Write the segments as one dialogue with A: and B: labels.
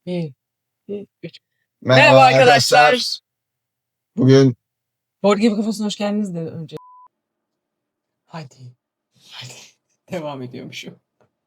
A: 1, 2, 3.
B: Merhaba arkadaşlar. Bugün
A: Board Game Kafası'na hoş geldiniz de önce. Hadi. Devam ediyormuşum.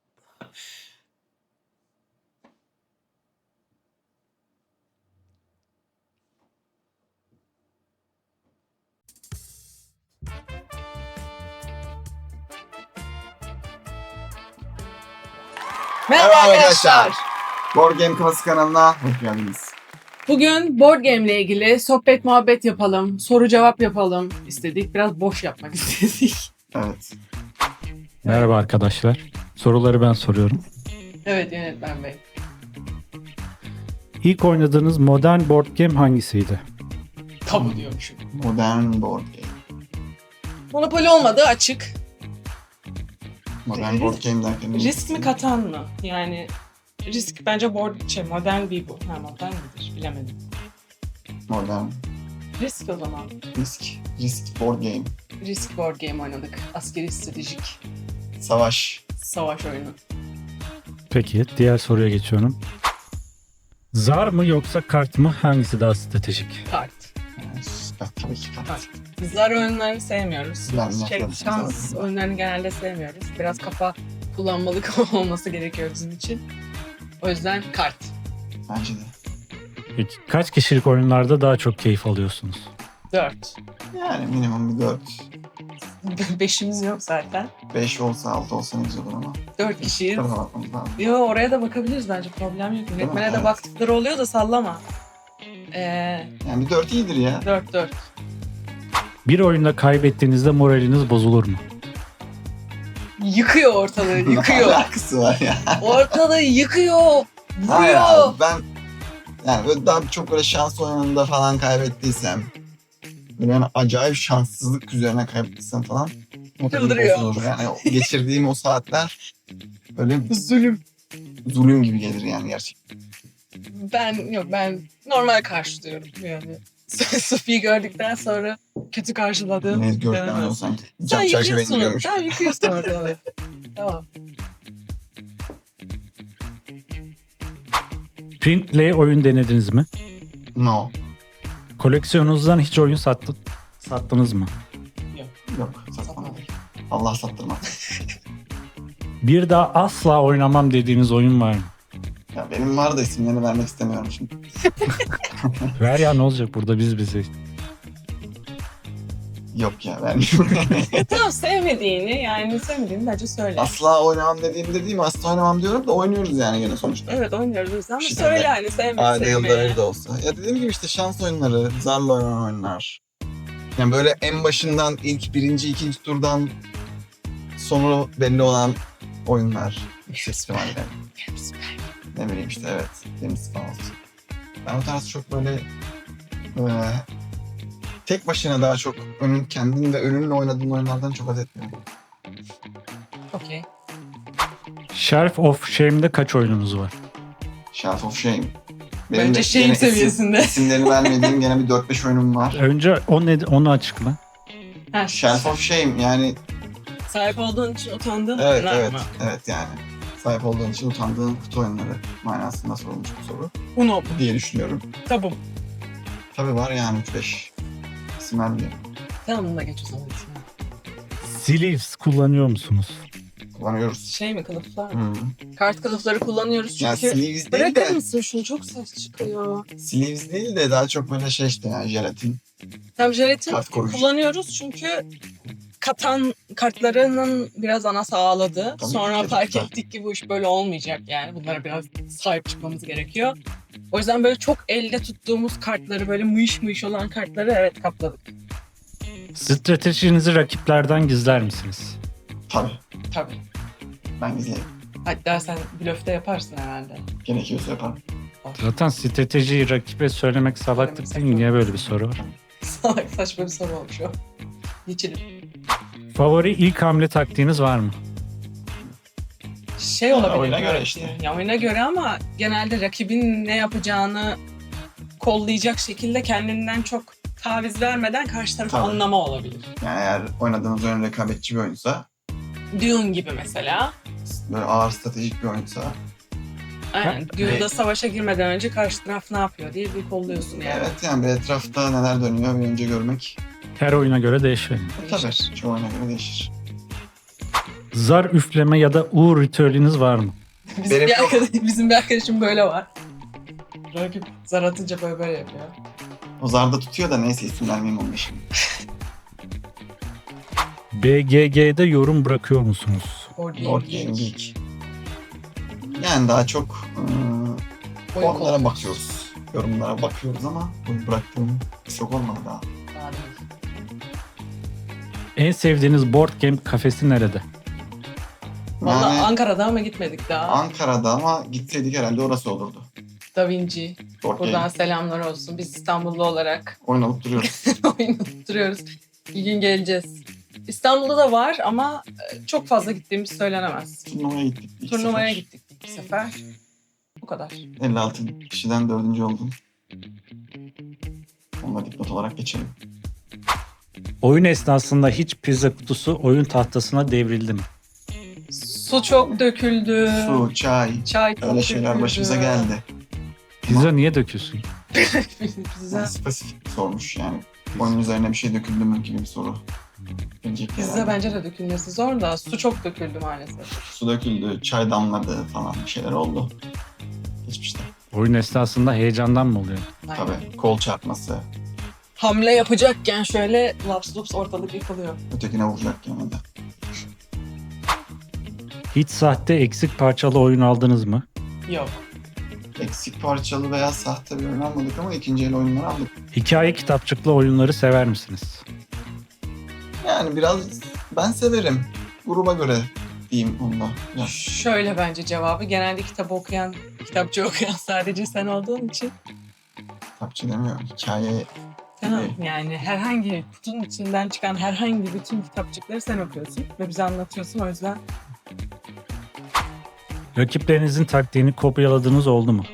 A: Merhaba arkadaşlar.
B: Board Game Kafası kanalına hoş geldiniz.
A: Bugün board game ile ilgili sohbet muhabbet yapalım, soru cevap yapalım istedik. Biraz boş yapmak istedik.
B: Evet.
C: Merhaba arkadaşlar. Soruları ben soruyorum.
A: Evet yönetmen bey.
C: İlk oynadığınız modern board game hangisiydi?
A: Tabu diyormuşum.
B: Modern board game.
A: Monopoly olmadı açık.
B: Modern board game derken
A: Risk mi Katan mı? Yani risk bence modern bir bu. Ha modern midir? Bilemedim.
B: Modern
A: Risk o zaman.
B: risk board game.
A: Risk board game oynadık. Askeri stratejik
B: Savaş
A: oyunu.
C: Peki diğer soruya geçiyorum. Zar mı yoksa kart mı? Hangisi daha stratejik?
A: Kart.
B: Tabii ki kart.
A: Biz zar oyunlarını sevmiyoruz.
B: Ben
A: Şans oyunlarını genelde sevmiyoruz. Biraz kafa kullanmalık olması gerekiyor bizim için. O yüzden kart.
B: Bence de.
C: Peki kaç kişilik oyunlarda daha çok keyif alıyorsunuz?
A: 4.
B: Yani minimum bir 4.
A: 5'imiz yok zaten.
B: 5 olsa 6 olsa ne güzel olur ama.
A: 4 kişiyiz.
B: Tadına bakmamız lazım.
A: Yo oraya da bakabiliriz bence. Problem yok. Yönetmene de
B: Evet.
A: baktıkları oluyor da sallama.
B: Yani bir 4 iyidir ya.
A: 4.
C: Bir oyunda kaybettiğinizde moraliniz bozulur mu?
A: Yıkıyor ortalığı,
B: Ne
A: yıkıyor.
B: alakası var ya.
A: Ortalığı yıkıyor.
B: Hayır
A: Vuruyor.
B: abi, ben yani böyle daha çok böyle şans oyununda falan kaybettiysem, böyle yani acayip şanssızlık üzerine kaybettiysem falan
A: Çıldırıyor.
B: bozulur. Yani o geçirdiğim o saatler böyle
A: Zulüm.
B: zulüm gibi gelir yani gerçekten.
A: Ben normal karşılıyorum yani. Sophie'yi gördükten sonra kötü karşıladığım.
B: Ne gördükten o sanki
A: Sen
B: cam çerçeve
A: yıkıyorsun.
B: indiriyormuş.
A: Sen yıkıyorsun ortalığı. Tamam.
C: Print play oyun denediniz mi?
B: No.
C: Koleksiyonunuzdan hiç oyun sattınız mı?
B: Yok satmadım. Allah sattırmaz.
C: Bir daha asla oynamam dediğiniz oyun var mı?
B: Ya benim var da isimlerini vermek istemiyorum şimdi.
C: Ver ya, ne olacak burada biz bize.
B: Yok ya vermiyorum.
A: Tamam sevmediğini bence söyle.
B: Asla oynamam dediğim asla oynamam diyorum da oynuyoruz yani gene sonuçta.
A: Evet oynuyoruz biz ama
B: Bir
A: söyle
B: şekilde.
A: hani
B: Ayda yılda
A: sevmediğini.
B: bir de olsa. Ya dediğim gibi işte şans oyunları, zarla oynanan oyunlar. Yani böyle en başından ilk birinci, ikinci turdan sonu belli olan oyunlar. Festivaller. Ne bileyim işte evet. Deniz falan olsun. Ben o tarz çok böyle tek başına daha çok kendin ve önünle oynadığın oyunlardan çok haz etmiyorum.
A: Okey.
C: Shelf of Shame'de kaç oyununuz var?
B: Shelf of Shame.
A: Bence shame
B: gene
A: seviyesinde.
B: İsimlerini vermediğim gene bir 4-5 oyunum var.
C: Önce onu açıkla.
A: Ha,
B: Shelf of Shame yani
A: sahip olduğun için utandığın
B: evet
A: oyunlar
B: evet
A: mı?
B: evet yani sahip olduğun için utandığın kutu oyunları manasında sorulmuş bu soru
A: Uno.
B: diye düşünüyorum.
A: Tabu.
B: Tabii var yani 3-5 isimler bile
A: Tamam bununla geç o zaman.
C: Sleeves kullanıyor musunuz?
B: kullanıyoruz.
A: Şey mi kılıflar mı?
B: Hmm.
A: Kart kılıfları kullanıyoruz
B: Yani
A: çünkü.
B: sleeves değil
A: Bırakır
B: de
A: mısın şunu çok ses çıkıyor.
B: sleeves değil de daha çok böyle şey işte yani jelatin.
A: Tam jelatin
B: Kart koruyucu.
A: kullanıyoruz çünkü katan kartlarının biraz ana sağladı.
B: Tabii
A: Sonra
B: ki,
A: fark
B: tabii.
A: ettik ki bu iş böyle olmayacak yani. Bunlara biraz sahip çıkmamız gerekiyor. O yüzden böyle çok elde tuttuğumuz kartları böyle mıyış olan kartları evet kapladık.
C: Stratejinizi rakiplerden gizler misiniz?
B: Tabii
A: Tabii.
B: ben izleyeyim.
A: Hatta sen blöfte yaparsın herhalde.
B: Gerekiyorsa yaparım.
C: Zaten stratejiyi rakibe söylemek salaklık değil mi? Niye böyle bir soru var?
A: Salak saçma bir soru olmuş o. Geçelim.
C: Favori ilk hamle taktiğiniz var mı?
A: Şey olabilir.
B: oyuna göre
A: belki.
B: işte.
A: Ya oyuna göre ama genelde rakibin ne yapacağını kollayacak şekilde kendinden çok taviz vermeden karşı tarafı
B: Tabii.
A: anlama olabilir.
B: Yani eğer oynadığınız oyun rekabetçi bir oyunsa
A: Dune gibi mesela.
B: böyle ağır stratejik bir oyunsa
A: Aynen. Günde savaşa girmeden önce karşı taraf ne yapıyor diye bir kolluyorsun yani.
B: Evet yani bir etrafta neler dönüyor bir önce görmek.
C: Her oyuna göre değişiyor.
B: Tabii çoğu oyuna göre değişir.
C: Zar üfleme ya da uğur ritüeliniz var mı?
A: Bizim bir arkadaşım böyle var. Rakip zar atınca böyle yapıyor.
B: O zarda tutuyor da neyse isim vermeyeyim onun şimdi.
C: BGG'de yorum bırakıyor musunuz?
B: Board Game Geek. Yani daha çok
A: Oyun
B: onlara
A: kolluyoruz.
B: bakıyoruz. Yorumlara bakıyoruz ama bunu bıraktığım çok olmadı daha.
A: Daha değil.
C: En sevdiğiniz board game kafesi nerede?
A: Valla
B: Yani
A: Ankara'da ama gitmedik daha.
B: Ankara'da ama gitseydik herhalde orası olurdu.
A: Da Vinci.
B: Board
A: Buradan
B: Game.
A: selamlar olsun. Biz İstanbullu olarak
B: Oyun alıp duruyoruz.
A: oyun tutturuyoruz. Bir gün geleceğiz. İstanbul'da da var ama çok fazla gittiğimiz söylenemez.
B: Turnuvaya gittik. ilk
A: Turnuvaya
B: sefer.
A: gittik bir sefer. Bu kadar.
B: 56 kişiden 4. oldum. Onu da dipnot olarak geçelim.
C: Oyun esnasında hiç pizza kutusu oyun tahtasına devrildi mi?
A: Su çok döküldü.
B: Su, çay,
A: Çay çok
B: öyle şeyler
A: döküldü.
B: başımıza geldi.
C: Pizza niye döküyorsun?
A: Pizza,
B: Yani spesifik sormuş yani. Oyunun üzerine bir şey döküldü mü gibi bir soru. Gelecek
A: pizza
B: herhalde.
A: bence de dökülmesi zor da su çok döküldü maalesef.
B: Su döküldü, çay damladı falan bir şeyler oldu. Geçmişte.
C: Oyun esnasında heyecandan mı oluyor?
A: Aynen.
B: Tabii kol çarpması,
A: Hamle yapacakken şöyle laps lups ortalık yıkılıyor.
B: ötekine vuracak yani de.
C: Hiç sahte eksik parçalı oyun aldınız mı?
A: Yok.
B: Eksik parçalı veya sahte bir oyun almadık ama ikinci el oyunları aldık.
C: Hikaye kitapçıklı oyunları sever misiniz?
B: Yani biraz ben severim. Gruba göre diyeyim onda. Ya,
A: Şöyle bence cevabı. Genelde kitapçı okuyan sadece sen olduğun için.
B: kitapçı demiyor. Hikaye
A: Tamam. Yani herhangi kutunun içinden çıkan herhangi bütün kitapçıkları sen okuyorsun ve bize anlatıyorsun. O yüzden
C: Rakiplerinizin taktiğini kopyaladığınız oldu mu?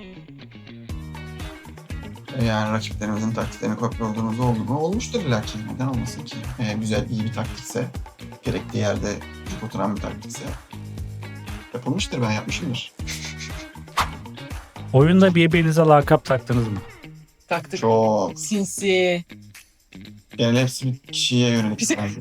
B: yani rakiplerimizin taktiklerini kopyaladığımız oldu mu? Olmuştur illa ki. Neden olmasın ki? Güzel, iyi bir taktikse, gerektiği yerde cuk oturan bir taktikse yapılmıştır, ben yapmışımdır.
C: Oyunda birbirinize lakap taktınız mı?
A: taktık.
B: Çok.
A: Sinsi.
B: Genel hepsi bir kişiye yönelik. bence.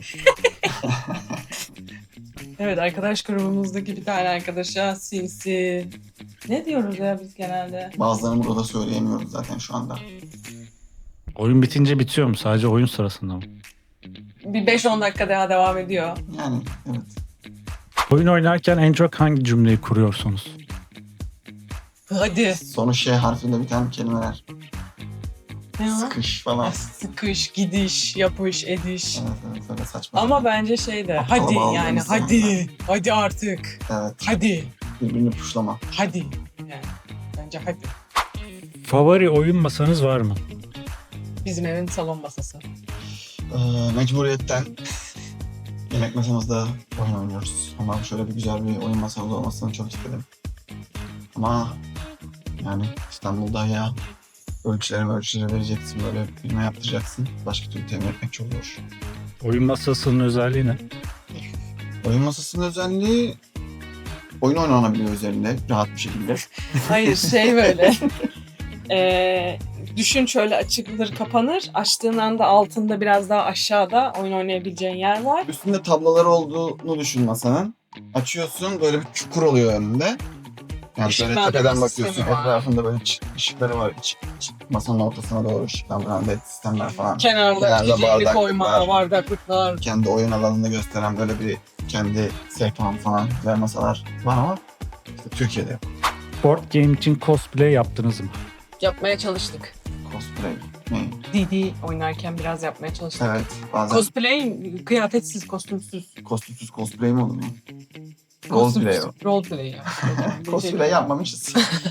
A: Evet, arkadaş grubumuzdaki bir tane arkadaşa sinsi. Ne diyoruz ya biz genelde?
B: Bazılarını burada söyleyemiyoruz zaten şu anda.
C: Oyun bitince bitiyor mu? Sadece oyun sırasında mı?
A: Bir 5-10 dakika daha devam ediyor.
B: Yani evet.
C: Oyun oynarken en çok hangi cümleyi kuruyorsunuz?
A: Hadi.
B: Sonu şey harfiyle biten kelimeler.
A: Ne o?
B: Sıkış falan.
A: Sıkış, gidiş, yapış, ediş.
B: Evet evet öyle saçma.
A: Ama bence şey de
B: Aptala
A: hadi
B: bağladığımız
A: yani
B: zaman
A: hadi. Hadi artık.
B: Evet
A: Hadi.
B: birbirini puşlama.
A: Hadi. Yani bence hadi.
C: Favori oyun masanız var mı?
A: Bizim evin salon masası.
B: Mecburiyetten yemek masamızda oyun oynuyoruz. Ama şöyle bir güzel bir oyun masamız olmasını çok istedim. Ama yani İstanbul'da ya ölçüleri vereceksin, böyle firma yaptıracaksın. Başka türlü temin etmek çok zor.
C: Oyun masasının özelliği ne?
B: Oyun masasının özelliği oyun oynanabiliyor üzerinde rahat bir şekilde.
A: Hayır şey böyle. Düşün şöyle açılır kapanır. Açtığın anda altında biraz daha aşağıda oyun oynayabileceğin yer var.
B: Üstünde tabloları olduğunu düşün masanın. Açıyorsun böyle bir çukur oluyor önünde. Yani böyle
A: Işıklandırma
B: tepeden
A: sistemi
B: bakıyorsun.
A: var.
B: Etrafında böyle ışıkları var. Masanın ortasına doğru ışıklandıran led sistemler falan.
A: Kenarda
B: Kenarda
A: içeceğini
B: bardaklıklar.
A: koyma, bardaklıklar.
B: Kendi oyun alanını gösteren böyle bir kendi sehpan falan güzel masalar var ama işte Türkiye'de yok.
C: Board game için cosplay yaptınız mı?
A: Yapmaya çalıştık.
B: Cosplay. Ne?
A: DD oynarken biraz yapmaya çalıştık.
B: Evet bazen
A: Cosplay kıyafetsiz, kostümsüz.
B: kostümsüz cosplay mi olur mu? Roleplay o.
A: Roleplay ya.
B: Cosplay yapmamışız.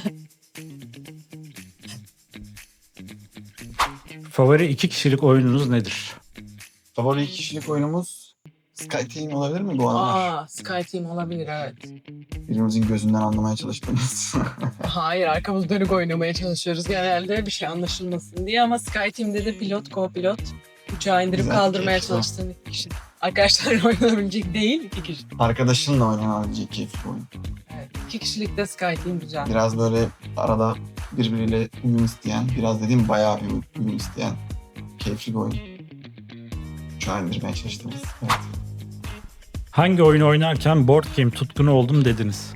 C: Favori 2 kişilik oyununuz nedir?
B: Favori kişilik oyunumuz Skyteam olabilir mi bu aralar?
A: Aa, Skyteam olabilir evet.
B: Birimizin gözünden anlamaya çalıştığımız.
A: Hayır, arkamız dönük oynamaya çalışıyoruz genelde bir şey anlaşılmasın diye ama Skyteam'de de pilot, co-pilot uçağı indirip
B: Güzel,
A: kaldırmaya
B: keyifli.
A: çalıştığın iki kişi. Arkadaşlarla oynanabilecek değil, iki kişi.
B: Arkadaşınla oynanabilecek keyifli oyun.
A: Evet. 2 kişilik de Skyteam güzel.
B: Biraz böyle arada birbiriyle uyum isteyen, biraz dediğim bayağı bir uyum isteyen keyifli bir oyun. Şu an indirmeye çalıştığımız. Evet.
C: Hangi oyunu oynarken board game tutkunu oldum dediniz?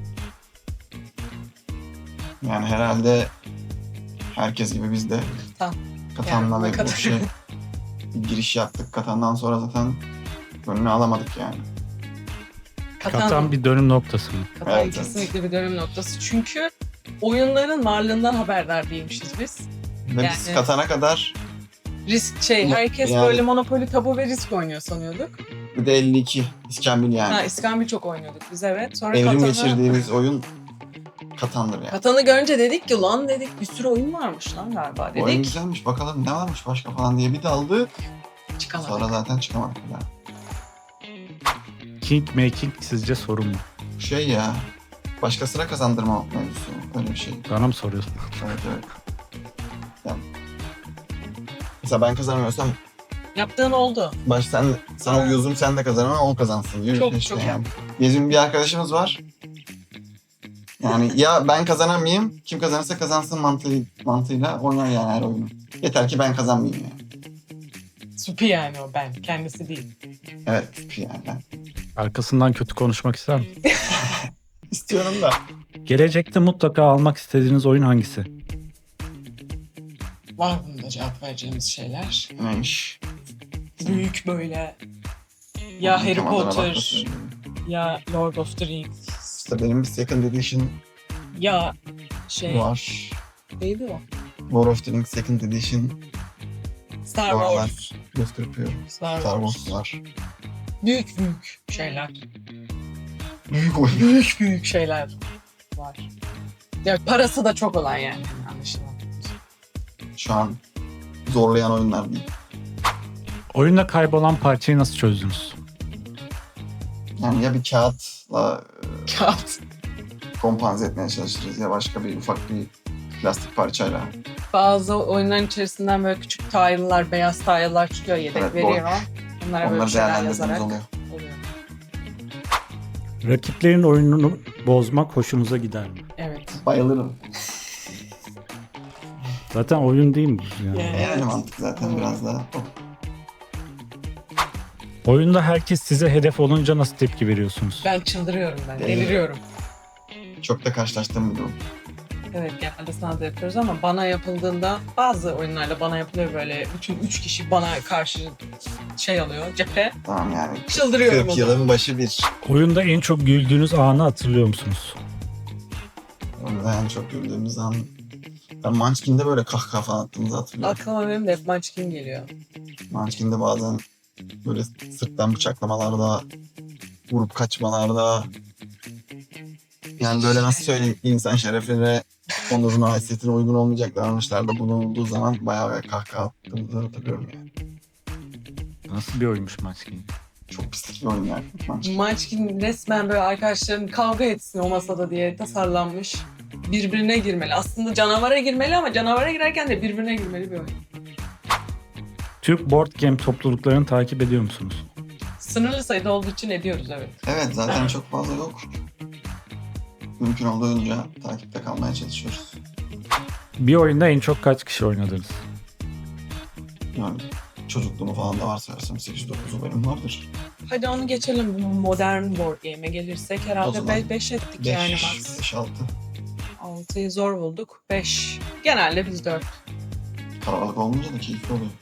B: Yani herhalde herkes gibi biz de
A: Katan.
B: Katan'la
A: Yani
B: ve
A: Katan.
B: bu şey bir giriş yaptık. Katan'dan sonra zaten önünü alamadık yani.
C: Katan bir dönüm noktası mı?
A: Katan
B: Evet,
A: kesinlikle bir dönüm noktası. Çünkü oyunların varlığından haberdar değilmişiz biz.
B: Ve biz
A: Yani-
B: Katan'a kadar
A: Risk herkes
B: Yani-
A: böyle Monopoly, Tabu ve Risk oynuyor sanıyorduk.
B: bir de 52 İskambil yani.
A: Ha, İskambil çok oynuyorduk biz, evet. Sonra
B: Evrim
A: Katan'ı,
B: geçirdiğimiz oyun Katan'dır yani.
A: Katan'ı görünce dedik ki lan dedik bir sürü oyun varmış lan galiba
B: Bu oyun
A: dedik.
B: güzelmiş, bakalım ne varmış başka falan diye bir daldı.
A: Çıkamadık.
B: Sonra zaten çıkamadık bir daha.
C: King making sizce sorun mu?
B: Şey ya, başkasına kazandırma mevzusu. Öyle bir şey.
C: Bana mı soruyorsun?
B: Evet evet. Yani, mesela ben kazanamıyorsam
A: Yaptığın oldu.
B: sana uyuzum sen de kazan ama o kazansın diyor.
A: Çok,
B: işte
A: çok.
B: yani. Bizim bir arkadaşımız var. Yani ya ben kazanamayayım, kim kazanırsa kazansın mantığıyla oynar yani her oyunu. Yeter ki ben kazanmayayım yani.
A: Supi yani o, ben. Kendisi değil.
B: Evet yani ben
C: Arkasından kötü konuşmak ister misin?
B: istiyorum da.
C: Gelecekte mutlaka almak istediğiniz oyun hangisi?
A: Var bunda cevap vereceğimiz şeyler.
B: Neymiş?
A: Büyük böyle. Ya Harry
B: Tam adına
A: Potter,
B: bakmasın.
A: ya Lord of the Rings,
B: İşte benim bir second edition
A: ya şey
B: var.
A: neydi o?
B: War of the Rings second edition
A: Star
B: Bu aralar
A: Wars.
B: göz kırpıyor.
A: Star
B: Star
A: Wars.
B: Wars var.
A: Büyük şeyler.
B: Büyük oyun.
A: Büyük şeyler var. Ya parası da çok olan yani anlaşılan.
B: Şu an zorlayan oyunlar değil.
C: Oyunda kaybolan parçayı nasıl çözdünüz?
B: Yani ya bir kağıtla
A: Kağıt.
B: kompanze etmeye çalışırız ya başka bir ufak bir plastik parçayla.
A: Bazı oyunların içerisinden böyle küçük tile'lar, beyaz tile'lar çıkıyor, yedek
B: Evet,
A: veriyor. Onlara böyle bir
B: Onları
A: şeyler
B: değerlendirdiğimiz
A: yazarak
B: oluyor.
A: oluyor.
C: Rakiplerin oyununu bozmak hoşunuza gider mi?
A: Evet.
B: Bayılırım.
C: Zaten oyun değil mi bu yani?
A: Yani.
B: Yani mantık zaten biraz daha.
C: Oyunda herkes size hedef olunca nasıl tepki veriyorsunuz?
A: Ben çıldırıyorum ben,
B: Deliriyorum.
A: deliriyorum.
B: Çok da karşılaştığım bir durum.
A: Evet, genelde sana da yapıyoruz ama bana yapıldığında bazı oyunlarda bana yapılıyor böyle bütün 3 kişi bana karşı şey alıyor cephe.
B: Tamam yani.
A: Çıldırıyorum o
B: 40
A: zaman.
B: yılın başı bir.
C: Oyunda en çok güldüğünüz anı hatırlıyor musunuz?
B: Orada en çok güldüğümüz an. Ben Munchkin'de böyle kahkaha falan attığımızı hatırlıyorum.
A: Aklıma benim de hep Munchkin geliyor.
B: Munchkin'de bazen böyle sırttan bıçaklamalarda, vurup kaçmalarda. Yani böyle nasıl söyleyeyim, insan şerefine, onuruna, haysiyetine uygun olmayacak davranışlarda bulunduğu zaman bayağı kahkaha attığımızı hatırlıyorum yani.
C: Nasıl bir oyunmuş Munchkin?
B: Çok pislik bir oyun yani Munchkin.
A: Munchkin resmen böyle arkadaşların kavga etsin o masada diye tasarlanmış. Birbirine girmeli. Aslında canavara girmeli ama canavara girerken de birbirine girmeli bir oyun.
C: Türk board game topluluklarını takip ediyor musunuz?
A: Sınırlı sayıda olduğu için ediyoruz, evet.
B: Evet zaten çok fazla yok. Mümkün olduğunca takipte kalmaya çalışıyoruz.
C: Bir oyunda en çok kaç kişi oynadınız?
B: Yani çocukluğumu falan da varsayarsam 8-9'u benim vardır.
A: Hadi onu geçelim. Bu modern board game'e gelirsek
B: O
A: herhalde
B: zaman
A: 5 ettik
B: 5,
A: yani max.
B: 5-6.
A: 6'yı zor bulduk. 5. Genelde biz 4.
B: Kalabalık olunca da keyifli oluyor.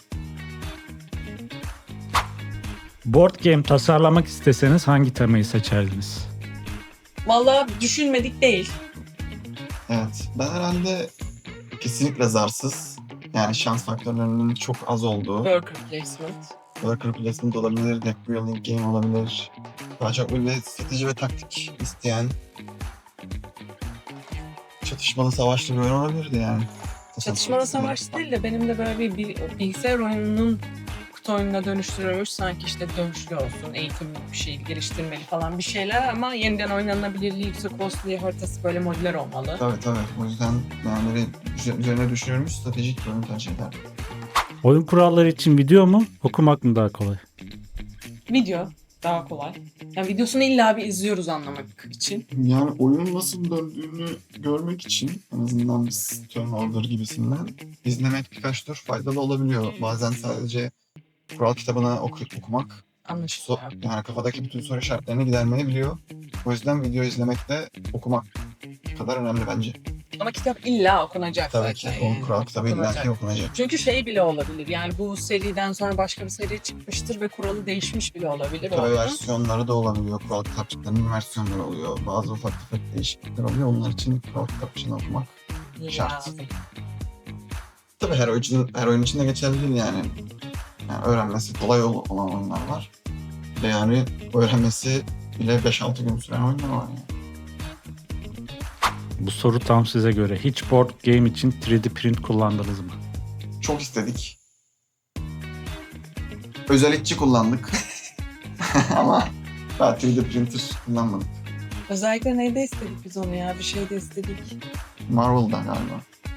C: Board game tasarlamak isteseniz hangi temayı seçerdiniz?
A: Vallahi düşünmedik değil.
B: Evet. Ben herhalde kesinlikle zarsız. Yani şans faktörlerinin çok az olduğu.
A: Worker placement.
B: Worker placement olabilir, deck building game olabilir. Daha çok böyle strateji ve taktik isteyen çatışmalı savaşlı bir oyun olabilirdi yani.
A: Çatışmalı savaş değil de benim de böyle bir bilgisayar oyununun kutu oyununa dönüştürülmüş sanki işte dövüşlü olsun, eğitimli bir şey geliştirmeli falan bir şeyler ama yeniden oynanabilirliği yüksek olsun diye haritası böyle modüler olmalı.
B: Tabii. O yüzden yani üzerine düşünülmüş stratejik bir oyun tercih ederdim.
C: Oyun kuralları için video mu, okumak mı daha kolay?
A: Video. Daha kolay. Yani videosunu illa bir izliyoruz anlamak için.
B: Yani oyunun nasıl döndüğünü görmek için en azından biz Turnover gibisinden izlemek birkaç tur faydalı olabiliyor. Bazen sadece kural kitabını okumak
A: Anlaşılıyor.
B: yani kafadaki bütün soru işaretlerini gidermeyebiliyor. O yüzden video izlemek de okumak kadar önemli bence.
A: Ama kitap illa okunacak
B: Tabii ki
A: zaten.
B: o kural kitabı illaki okunacak.
A: Çünkü şey bile olabilir. Yani bu seriden sonra başka bir seri çıkmıştır ve kuralı değişmiş bile olabilir.
B: Tabii
A: oyunun.
B: versiyonları da olabiliyor. Kural kitapçıklarının versiyonları oluyor. Bazı ufak tefek değişiklikler oluyor. Onlar için kural kitapçığını okumak şart.
A: Lazım.
B: Tabii her oyun için de geçerli değil yani. Yani öğrenmesi kolay olan oyunlar var. Bir de yani öğrenmesi bile 5-6 gün süren oyunlar var yani.
C: Bu soru tam size göre. Hiç board game için 3D print kullandınız mı?
B: Çok istedik. Özellikçi kullandık. Ama daha 3D printer kullanmadık.
A: Özellikle neyde istedik biz onu ya? Bir şeyde istedik.
B: Marvel'da galiba.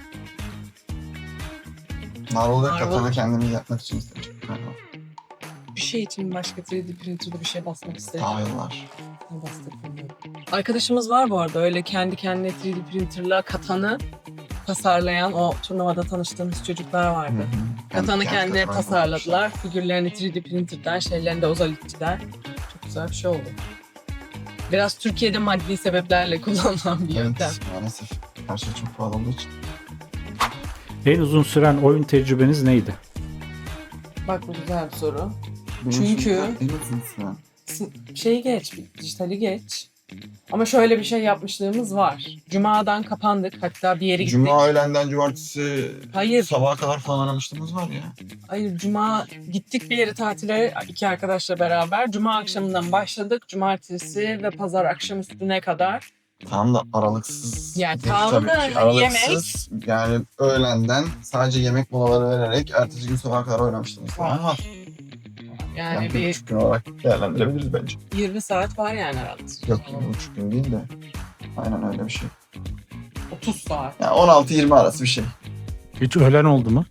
B: Marvel'da
A: Marvel.
B: katanı kendimiz yapmak için istedik galiba.
A: Bir şey için başka 3D printer'da bir şey basmak istedik.
B: Tayıllar.
A: Ne bastık bilmiyorum. Arkadaşımız var bu arada. Öyle kendi kendine 3D printer'la katanı tasarlayan o turnuvada tanıştığımız çocuklar vardı. Katanı kendi tasarladılar. Figürlerini 3D printer'dan, şeylerini de ozalitçiden. Çok güzel bir şey oldu. Biraz Türkiye'de maddi sebeplerle kullanılan bir yöntem.
B: Evet, maalesef. Her şey çok pahalı olduğu için.
C: En uzun süren oyun tecrübeniz neydi?
A: Bak bu güzel bir soru.
B: Benim
A: Çünkü-
B: şimdi en uzun süren.
A: Şeyi geç, dijitali geç. Ama şöyle bir şey yapmışlığımız var. Cuma'dan kapandık. Hatta bir yere gittik.
B: Cuma öğlenden cumartesi
A: Hayır.
B: sabaha kadar falan aramışlığımız var ya.
A: Hayır, Cuma gittik bir yere tatile iki arkadaşla beraber. Cuma akşamından başladık. Cumartesi ve pazar akşamüstüne kadar.
B: Tam da aralıksız.
A: Yani
B: değil
A: tam
B: tabii
A: da
B: ki. Aralıksız. Yani öğlenden sadece yemek molaları vererek ertesi gün sabaha kadar oynamıştınız falan var.
A: Yani
B: Yani
A: bir
B: 1,5 gün olarak değerlendirebiliriz bence.
A: 20 saat var yani aralıksız.
B: Yok 1,5 gün değil de. Aynen öyle bir şey.
A: 30 saat.
B: Yani 16-20 arası bir şey.
C: Hiç ölen oldu mu?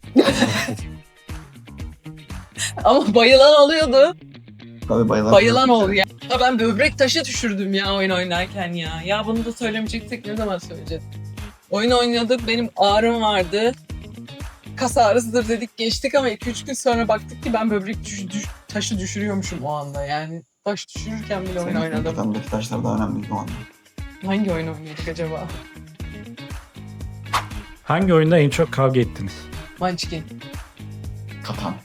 A: Ama bayılan oluyordu.
B: Tabii
A: Bayılan oldu ya. Ya ben böbrek taşı düşürdüm ya oyun oynarken ya. Ya bunu da söylemeyecektik, ne zaman söyleyeceğiz? Oyun oynadık, benim ağrım vardı. Kas ağrısıdır dedik, geçtik ama 2-3 gün sonra baktık ki ben böbrek taşı düşürüyormuşum o anda yani. Taş düşürürken bile oyun oynadım.
B: Katandaki taşlar daha önemliydi o anda.
A: Hangi oyun oynuyorduk acaba?
C: Hangi oyunda en çok kavga ettiniz?
A: Munchkin.
B: Katan.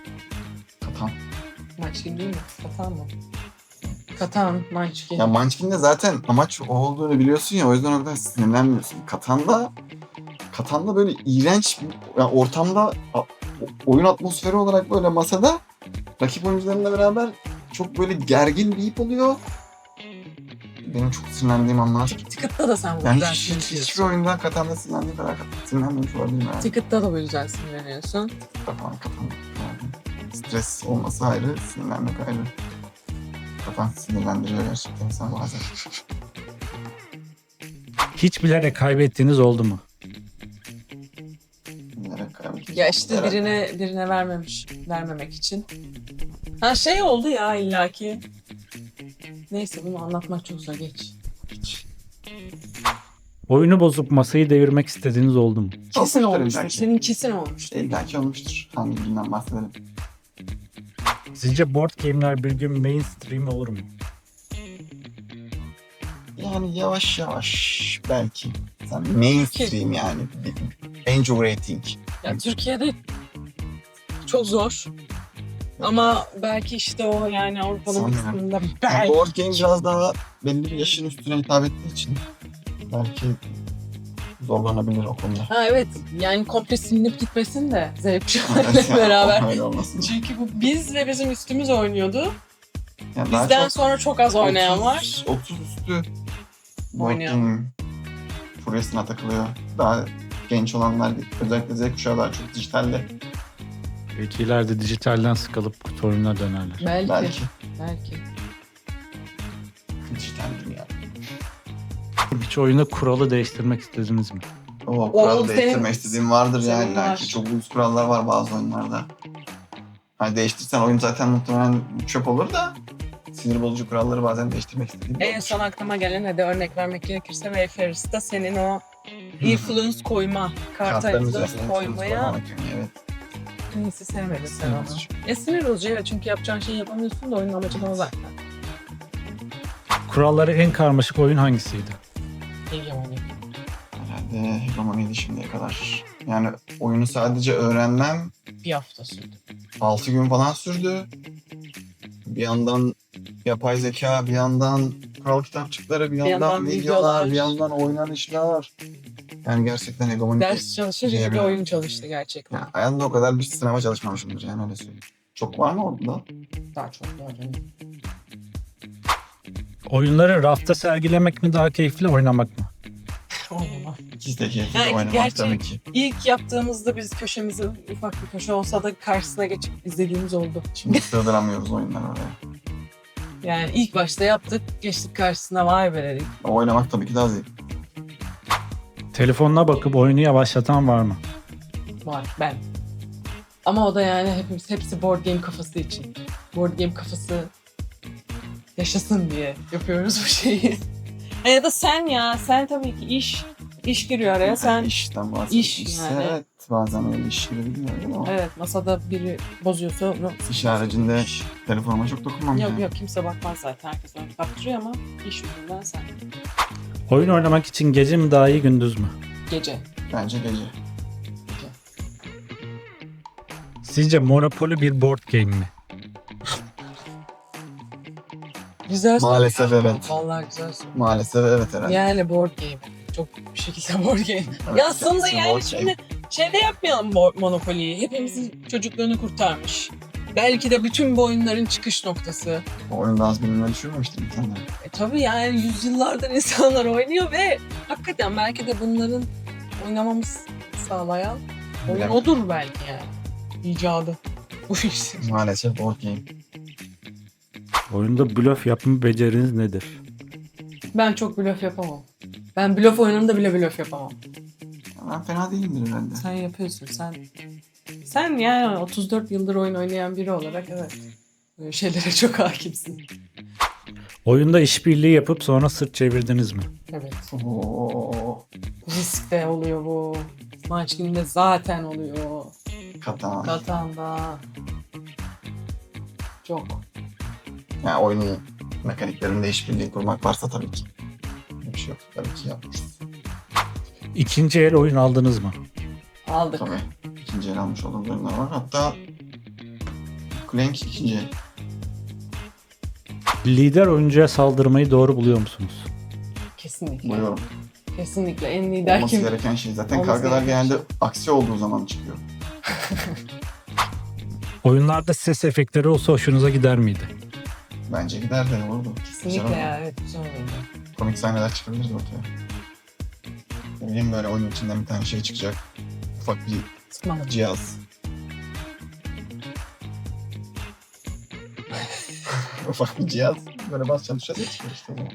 A: Munchkin değil mi? Katan mı? Katan, Munchkin.
B: Ya Munchkin'de zaten amaç o olduğunu biliyorsun ya, o yüzden o kadar sinirlenmiyorsun. Katan'da böyle iğrenç bir yani ortamda oyun atmosferi olarak böyle masada rakip oyuncularla beraber çok böyle gergin bir ip oluyor. Benim çok sinirlendiğim anlar.
A: Ticket'ta da sen bu
B: Yani
A: yüzden
B: hiçbir
A: sinirleniyorsun.
B: oyundan Katan'da sinirlendiğim kadar sinirlenmemiş olabilirim yani.
A: Ticket'ta da bu yüzden sinirleniyorsun.
B: Katan. Yani stres olması ayrı, sinirlenmek ayrı. Katan sinirlendiriyor gerçekten insan bazen.
C: Hiç bilerek kaybettiğiniz oldu mu?
B: Bilerek kaybettim.
A: Ya işte
B: Bilerek.
A: birine vermemek için. Ha şey oldu ya illaki. Neyse bunu anlatmak çok zor, geç.
C: Oyunu bozup masayı devirmek istediğiniz oldu mu?
A: Kesin
B: Olmuştur
A: olmuştur.
B: illaki.
A: Senin kesin olmuştur.
B: İllaki olmuştur. Hangi birinden bahsedelim?
C: Sizce board game'ler bir gün mainstream olur mu?
B: Yani yavaş yavaş belki. Sen mainstream yani. Angel rating.
A: Ya Türkiye'de çok zor. Ama belki işte o yani Avrupa'nın
B: Sanmıyorum.
A: kısmında
B: Yani
A: belki.
B: board game biraz daha belli bir yaşın üstüne hitap ettiği için belki zorlanabilir o konuda.
A: Ha evet, yani komple silinip gitmesin de Z
B: Evet,
A: kuşağıyla
B: yani
A: beraber.
B: öyle olmasın.
A: Çünkü bu biz ve bizim üstümüz oynuyordu.
B: Yani daha
A: Bizden
B: çok
A: sonra çok az oynayan
B: 30
A: var.
B: 30 üstü board
A: Oynayan.
B: game furyasına takılıyor. Daha genç olanlar özellikle Z kuşağı daha çok dijitalde.
C: Belki ileride dijitalden sıkılıp kutu oyununa dönerler.
A: Belki.
B: Belki dijital dünya.
C: Hiç oyunda kuralı değiştirmek istediniz mi?
B: O kural
A: senin-
B: değiştirmek istediğim vardır
A: senin
B: yani.
A: var.
B: Belki çok uyuz kurallar var bazı oyunlarda. Hani değiştirsen oyun zaten muhtemelen çöp olur da sinir bozucu kuralları bazen değiştirmek istediğim
A: En
B: olmuş.
A: son aklıma gelen, hadi örnek vermek gerekirse, Wayfarers'ta senin o influence koyma, karta
B: Kartların
A: influence
B: üzerine
A: koymaya
B: evet.
A: neyse sevmedin sen
B: Sinir
A: onu.
B: bozucu.
A: Sinir bozucu evet, çünkü yapacağın şeyi yapamıyorsun da oyunun amacı da o zaten.
C: Kuralları en karmaşık oyun hangisiydi?
A: Hegemony.
B: Herhalde Hegemoniydi şimdiye kadar. Yani oyunu sadece öğrenmem
A: Bir hafta sürdü.
B: 6 gün falan sürdü. Bir yandan yapay zeka, bir yandan kural kitapçıkları, bir yandan
A: yandan
B: videolar,
A: videolar.
B: bir yandan oynanışlar. Yani gerçekten Hegemoni.
A: Ders çalışır gibi bir oyun çalıştı gerçekten.
B: Yani hayatımda o kadar bir sınava çalışmamışımdır yani öyle söyleyeyim. Çok var mı orada?
A: Daha çok var canım.
C: Oyunları rafta sergilemek mi daha keyifli, oynamak mı?
A: Oynama.
B: İkisi de keyifli
A: Yani
B: oynamak
A: gerçi-
B: tabii ki.
A: İlk yaptığımızda biz köşemizi, ufak bir köşe olsa da karşısına geçip izlediğimiz oldu.
B: Şimdi sığdıramıyoruz oyunları oraya.
A: Yani ilk başta yaptık, geçtik karşısına, vay be dedik.
B: Oynamak tabii ki daha zevkli.
C: Telefonuna bakıp oyunu yavaşlatan var mı?
A: Var, ben. Ama o da yani hepsi board game kafası için. Board game kafası yaşasın diye yapıyoruz bu şeyi. Ya da sen tabii ki iş giriyor araya. Sen
B: İşten bahsediyorsun.
A: İş yani.
B: Evet, bazen öyle iş girebiliyor ama
A: evet, masada biri bozuyorsa onu
B: iş haricinde telefonuma çok dokunmam.
A: yok
B: yani.
A: yok, kimse bakmaz zaten, herkes onu kaptırıyor ama iş yüzünden sen
C: Oyun oynamak için gece mi daha iyi, gündüz mü?
A: gece.
B: Bence gece.
C: Sizce Monopoly bir board game mi?
A: Güzel soru.
B: Maalesef evet.
A: Vallahi güzel soru.
B: Maalesef evet herhalde.
A: Yani board game. Çok bir şekilde board game.
B: Evet,
A: Ya aslında
B: kendisi
A: yani
B: board
A: şimdi şeyde yapmayalım Monopoly'yi. Hepimizin çocukluğunu kurtarmış. Belki de bütün bu oyunların çıkış noktası.
B: O oyunda az bilinmeyi düşünmemiştim insanlar.
A: Tabii yani yüzyıllardır insanlar oynuyor ve hakikaten belki de bunların oynamamız sağlayan oyun
B: Bilemem.
A: odur belki yani. İcadı. Bu işin.
B: Maalesef board game.
C: Oyunda blöf yapma beceriniz nedir?
A: Ben çok blöf yapamam. Ben blöf oyununda bile blöf yapamam.
B: Ben fena değilimdir herhalde.
A: Sen yapıyorsun. Sen yani 34 yıldır oyun oynayan biri olarak evet. Böyle şeylere çok hakimsin.
C: Oyunda işbirliği yapıp sonra sırt çevirdiniz mi?
A: Evet.
B: Oo,
A: Risk de oluyor bu. Maç gününde zaten oluyor.
B: Katan.
A: Katan'da. Çok.
B: Yani oyunun mekaniklerinde işbirliği kurmak varsa tabii ki. Bir şey yok. Tabii ki yapmışız.
C: İkinci el oyun aldınız mı?
A: Aldık.
B: Tabii. İkinci el almış olduğumuz oyunlar var. Hatta Clank ikinci el.
C: Lider oyuncuya saldırmayı doğru buluyor musunuz?
A: Kesinlikle.
B: Buluyorum.
A: Kesinlikle. En lider
B: Olması
A: kim?
B: gereken şey. Zaten
A: Olması
B: kavgalar
A: gereken
B: genelde aksi olduğu zaman çıkıyor.
C: Oyunlarda ses efektleri olsa hoşunuza gider miydi?
B: Bence gider de olurdu.
A: Kesinlikle
B: Güzel
A: ya. Evet, güzel oldu.
B: Komik sahneler çıkabilir ortaya. Ne bileyim böyle oyunun içinden bir tane şey çıkacak. Ufak bir
A: Sıkmadım.
B: cihaz. Ufak bir cihaz. Böyle basacaksın dışarıya çıkıyor işte. o zaman.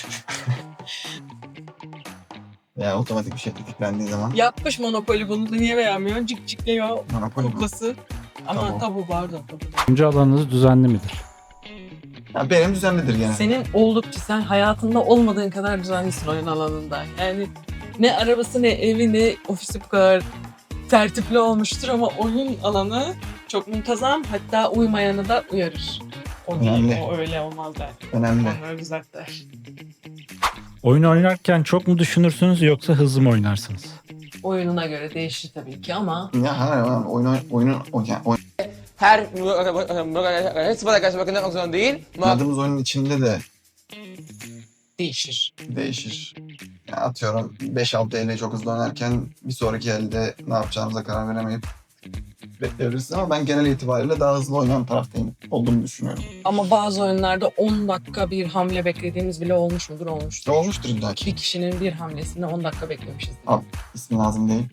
B: Veya otomatik bir şey tetiklendiği zaman.
A: Yapmış Monopoly, bunu da niye beğenmiyorsun? Cik cikliyor
B: Monopoly mu?
A: kuklası. Ama
B: Tabu.
A: tabu pardon. Tabu.
C: Oyuncu alanınız düzenli midir?
B: Ya benim düzenlidir genelde.
A: Senin oldukça, sen hayatında olmadığın kadar düzenlisin oyun alanında. Yani ne arabası, ne evi, ne ofisi bu kadar tertipli olmuştur ama oyun alanı çok muntazam. Hatta uymayanı da uyarır. O değil,
B: Önemli.
A: o öyle olmaz der.
B: Önemli.
A: Onları düzelt der.
C: Oyun oynarken çok mu düşünürsünüz yoksa hızlı mı oynarsınız?
A: Oyununa göre değişir tabii ki ama
B: Ya hayır,
D: Her sıfata karşı bakılmak zorunda değil.
B: oynadığımız oyunun içinde de
A: değişir.
B: değişir. Ya atıyorum 5-6 elle çok hızlı oynarken bir sonraki elde ne yapacağımıza karar veremeyip bekleyebiliriz ama ben genel itibariyle daha hızlı oynayan taraftayım olduğumu düşünüyorum.
A: Ama bazı oyunlarda 10 dakika bir hamle beklediğimiz bile olmuş mudur? Olmuştur.
B: Ne olmuştur illa ki.
A: Bir kişinin bir hamlesinde 10 dakika beklemişiz.
B: İsmi lazım değil.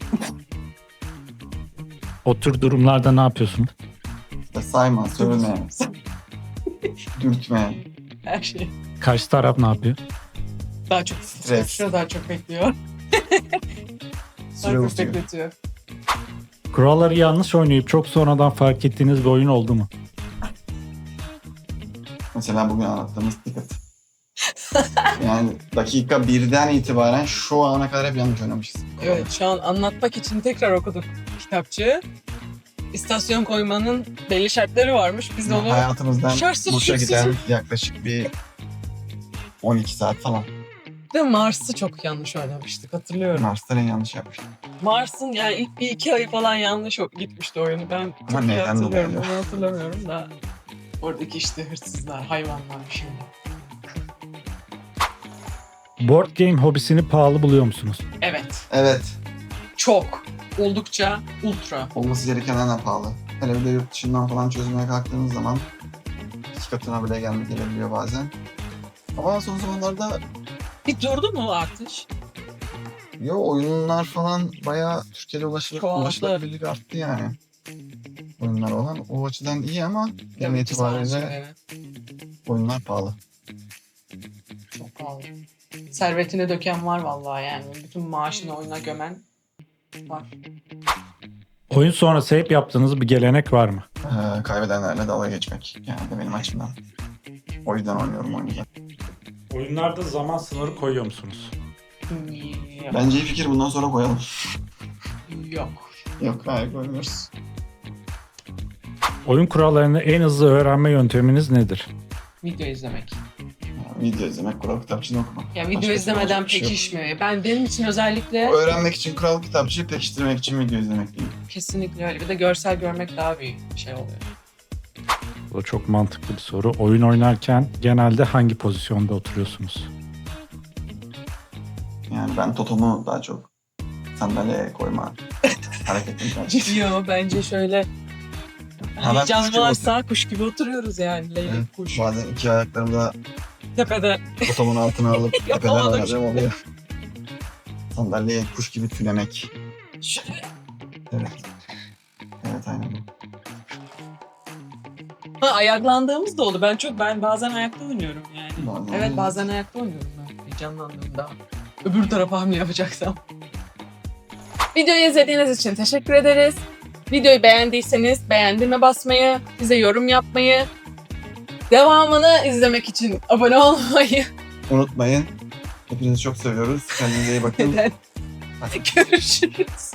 C: O tür durumlarda ne yapıyorsunuz?
B: İşte sayma, sövme, dürtme.
A: Her şey.
C: Karşı taraf ne yapıyor?
A: Daha çok
B: Stres.
A: daha çok bekliyor.
B: Süre
A: Daha çok
B: uzuyor.
A: bekletiyor.
C: Kuralları yanlış oynayıp çok sonradan fark ettiğiniz bir oyun oldu mu?
B: Mesela bugün anlattığımız Ticket. Yani dakika 1'den itibaren şu ana kadar hep yanlış oynamışız.
A: Evet, şu an anlatmak için tekrar okuduk kitapçığı. İstasyon koymanın belli şartları varmış. Biz de onu
B: Hayatımızdan
A: şartsız
B: boşa
A: şurtsuz-
B: giden yaklaşık bir 12 saat falan.
A: de Mars'ı çok yanlış oynamıştık, hatırlıyorum.
B: Mars'ta en yanlış yapmıştık.
A: Mars'ın yani ilk 1-2 ay falan yanlış gitmişti oyunu. Ben çok
B: Ama
A: iyi
B: neden
A: hatırlıyorum.
B: dolayı?
A: Onu hatırlamıyorum da. Oradaki işte hırsızlar, hayvanlar bir şeyler.
C: Board game hobisini pahalı buluyor musunuz?
A: Evet.
B: Evet.
A: Çok. Oldukça ultra.
B: Olması gerekenden de pahalı. Hele bir de yurt dışından falan çözmeye kalktığınız zaman 2 katına bile gelebiliyor bazen. Ama son zamanlarda
A: Bir durdu mu o artış?
B: oyunlar falan bayağı Türkiye'de
A: Çoğaldı.
B: ulaşılabilirlik arttı yani. Oyunlar olan o açıdan iyi ama genel
A: Tabii ki
B: itibariyle
A: sanatçıları.
B: oyunlar pahalı.
A: Çok pahalı. Servetine döken var vallahi yani. Bütün maaşını oyuna gömen var.
C: Oyun sonrası hep yaptığınız bir gelenek var mı?
B: Kaybedenlerle dalga geçmek yani de benim açımdan. O yüzden oynuyorum oyunu.
C: Oyunlarda zaman sınırı koyuyor musunuz?
A: Yok.
B: Bence iyi fikir, bundan sonra koyalım.
A: Yok.
B: Yok, hayır koymuyoruz.
C: Oyun kurallarını en hızlı öğrenme yönteminiz nedir?
A: Video izlemek.
B: Video izlemek, kural kitapçığını okumak.
A: Ya video
B: Başka
A: izlemeden
B: yapacak bir şey yok.
A: pekişmiyor. Benim için özellikle
B: Öğrenmek için kural kitapçığı, pekiştirmek için video izlemek değil.
A: kesinlikle öyle. Bir de görsel görmek daha bir şey oluyor.
C: Bu da çok mantıklı bir soru. Oyun oynarken genelde hangi pozisyonda oturuyorsunuz?
B: Yani ben Totom'u daha çok sandalyeye koyma hareketini tercih ediyorum.
A: Yo bence şöyle
B: Ha, ben kuş
A: canlı
B: gibi
A: varsa kuş gibi oturuyoruz yani. Leylek
B: Evet,
A: kuş.
B: bazen iki ayaklarımı da
A: Tepede.
B: Totom'un altına alıp tepeden
A: Yapamadım
B: oynadığım oluyor. Sandalyeye kuş gibi tünemek.
A: Şöyle.
B: Evet. Evet, aynen.
A: Ha, ayaklandığımız da oldu. Ben bazen ayakta oynuyorum yani.
B: Bazen
A: Evet,
B: oynuyorum.
A: bazen ayakta oynuyorum ben. Heyecanlandığımda. Öbür tarafa hamle yapacaksam. Videoyu izlediğiniz için teşekkür ederiz. Videoyu beğendiyseniz beğendirme basmayı, bize yorum yapmayı, devamını izlemek için abone olmayı.
B: Unutmayın. Hepinizi çok seviyoruz. Kendinize iyi bakın.
A: Neden? Görüşürüz.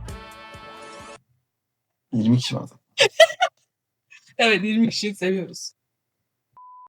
B: 20 kişi vardı.
A: Evet, 20 kişiyi seviyoruz.